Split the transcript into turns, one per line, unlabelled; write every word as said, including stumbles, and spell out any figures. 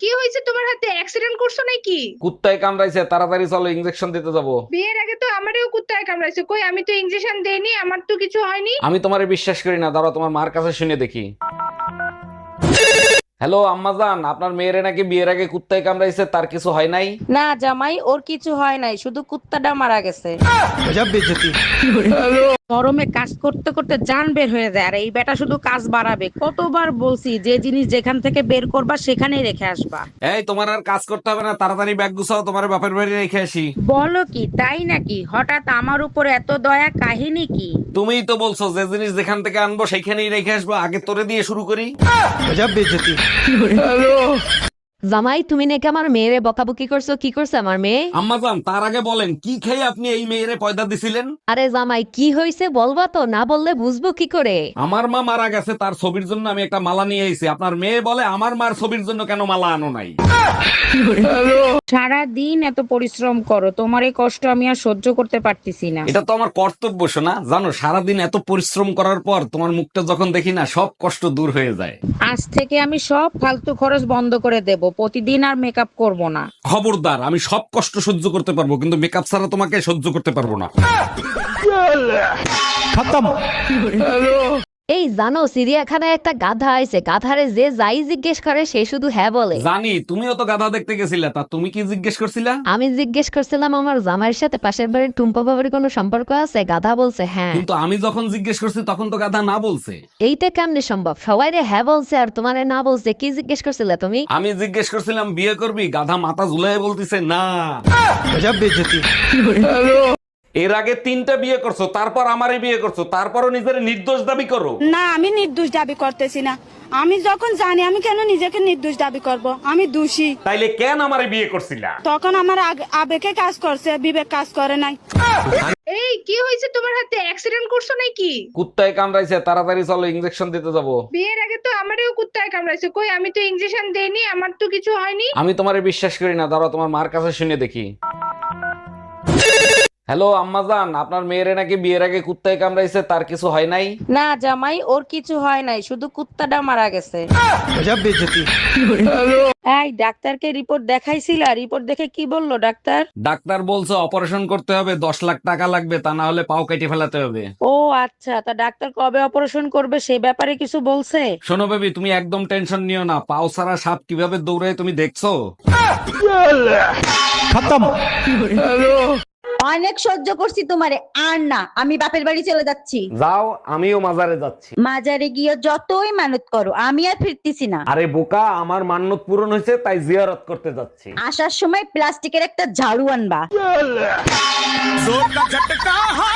কি হয়েছে তোমার হাতে? অ্যাক্সিডেন্ট করছো নাকি?
কুত্তায় কামড়াইছে, তাড়াতাড়ি চলো, ইনজেকশন দিতে যাবো।
বিয়ের আগে তো আমারও কুত্তায় কামড়াইছে, কই আমি তো ইনজেকশন দেইনি, আমার তো কিছু হয়নি।
আমি তোমারে বিশ্বাস করি না, দাঁড়াও তোমার মার কাছে শুনে দেখি। হ্যালো আম্মাজান, আপনার মেয়েরে নাকি বিয়ের আগে কুত্তায় কামড়াইছে, তার কিছু হয় নাই?
না জামাই, ওর কিছু হয় নাই, শুধু কুত্তাটা মারা গেছে। গরমে কাজ করতে করতে জান বের হয়ে যায়, আর এই বেটা শুধু কাজ বাড়াবে। কতবার বলছি যে জিনিস যেখান থেকে বের করবা সেখানেই রেখে আসবা।
এই তোমার আর কাজ করতে হবে না, তাড়াতাড়ি ব্যাগ গুছাও, তোমার বাপের বাড়ি রেখে আসি।
বলো কি, তাই নাকি? হঠাৎ আমার উপর এত দয়া, কাহিনী কি?
তুমিই তো বলছো যে জিনিস যেখান থেকে আনবো সেইখানেই রেখে আসবো, আগে তোরে দিয়ে শুরু করি।
জামাই, তুমি নাকি আমার মেয়েরে বকাবকি করছো, কি করছে আমার মেয়ে?
আম্মাজান, তার আগে বলেন কি খেয়ে আপনি এই মেয়েরে পয়দা দিছিলেন?
আরে জামাই, কি হয়েছে বলবা তো, না বললে বুঝবো কি করে?
আমার মা মারা গেছে, তার ছবির জন্য আমি একটা মালা নিয়ে এসেছি। আপনার মেয়ে বলে আমার মার ছবির জন্য কেন মালা আনো নাই?
সারা দিন এত পরিশ্রম করো, তোমার এই কষ্ট আমি আর সহ্য করতে পারতেছি না।
এটা তো আমার কর্তব্য শোনা, জানো সারাদিন এত পরিশ্রম করার পর তোমার মুখটা যখন দেখি না, সব কষ্ট দূর হয়ে যায়।
আজ থেকে আমি সব ফালতু খরচ বন্ধ করে দেব, প্রতিদিন আর মেকআপ করব না।
খবরদার, আমি সব কষ্ট সহ্য করতে পারবো, কিন্তু মেকআপ ছাড়া তোমাকে সহ্য করতে পারবো না।
এই জানো, চিড়িয়াখানায় একটা গাধা আইছে, গাধারে যে যাই জিজ্ঞেস করে সে শুধু হ্যাঁ বলে।
জানি, তুমিও তো গাধা দেখতে গেছিলে, তা তুমি কি জিজ্ঞেস করছিলা?
আমি জিজ্ঞেস করছিলাম আমার জামাইয়ের সাথে পাশের বাড়ির টুম্পা বাবার কোনো সম্পর্ক আছে, গাধা বলছে হ্যাঁ।
কিন্তু আমি যখন জিজ্ঞেস করছি তখন তো গাধা না বলছে।
এইটা কেমনে সম্ভব? সবাই রে হ্যাঁ বলছে আর তোমারে না বলছে, কি জিজ্ঞেস করছিলে তুমি?
আমি জিজ্ঞেস করছিলাম বিয়ে করবি, গাধা মাথা ঝুলাই বলতিছে না। এর আগে তিনটা বিয়ে করছো, তারপর আমারে বিয়ে করছো, তারপরও নিজের নির্দোষ দাবি করো।
না, আমি নির্দোষ দাবি করতেছি না। আমি যখন জানি, আমি কেন নিজেকে নির্দোষ দাবি করব? আমি দোষী।
তাইলে কেন আমারে বিয়ে করছিলা?
তখন আমার আগ- আবেগে কাজ করছে, বিবেক কাজ করে নাই।
এই কি হয়েছে তোমার হাতে? অ্যাক্সিডেন্ট করছো নাকি?
কুত্তায় কামড়াইছে, তাড়াতাড়ি চলো, ইনজেকশন দিতে যাবো।
বিয়ের আগে তো আমারও কুত্তায় কামড়াইছে, কই আমি তো ইনজেকশন দেইনি, আমার তো কিছু হয়নি।
আমি তোমারে বিশ্বাস করি না, দাঁড়াও তোমার মার কাছে শুনে দেখি। হ্যালো আম্মাজান, আপনার মেয়েরে নাকি বিয়ের আগে কুত্তায় কামড়াইছে, তার কিছু হয় নাই?
না জামাই, ওর কিছু হয় নাই, শুধু কুত্তাটা মারা গেছে। এই ডাক্তারকে রিপোর্ট দেখাইছিলা? রিপোর্ট দেখে কি বললো ডাক্তার?
ডাক্তার বলছে অপারেশন করতে হবে, দশ লাখ টাকা লাগবে, তা না হলে পাও কেটে ফেলাতে হবে।
ও আচ্ছা, তা ডাক্তার কবে অপারেশন করবে সে ব্যাপারে কিছু বলছে?
শোনো বেবি, তুমি একদম টেনশন নিও না, পাও ছাড়া সাপ কিভাবে দৌড়ায় তুমি দেখছো?
অনেক সহ্য করছি তোমারে, আর না, আমি বাপের বাড়ি চলে যাচ্ছি।
যাও, আমিও মাজারে যাচ্ছি।
মাজারে গিয়ে যতই মানত করো, আমি আর ফিরতেছি না।
আরে বোকা, আমার মান্যত পূরণ হয়েছে, তাই জিয়ারত করতে যাচ্ছি।
আসার সময় প্লাস্টিকের একটা ঝাড়ু আনবা।